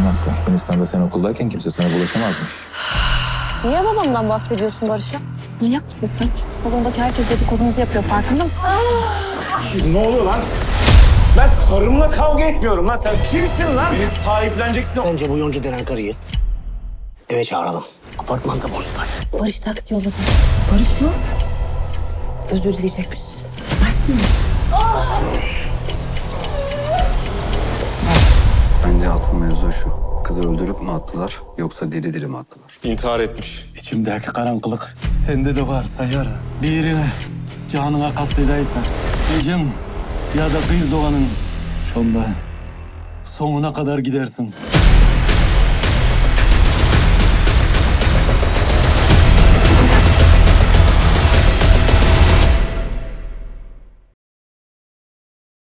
anlattı. Yunanistan'da sen okuldayken kimse sana bulaşamazmış. Niye babamdan bahsediyorsun Barış'a? Manyak mısın sen? Salondaki herkes dedikodunuzu yapıyor. Farkında mısın? Ne oluyor lan? Ben karımla kavga etmiyorum lan. Sen kimsin lan? Beni sahipleneceksin. Bence bu Yonca denen karıyı eve çağıralım. Apartmanda buluşlar. Barış taksi yolladı. Barış mı? Özür dileyecekmiş. Bence asıl mevzu şu. Kızı öldürüp mü attılar yoksa diri diri mi attılar? İntihar etmiş. İçimdeki karanlık sende de varsa yara. Birine canına kastedeysen gecem ya da kız doğanın sonunda sonuna kadar gidersin.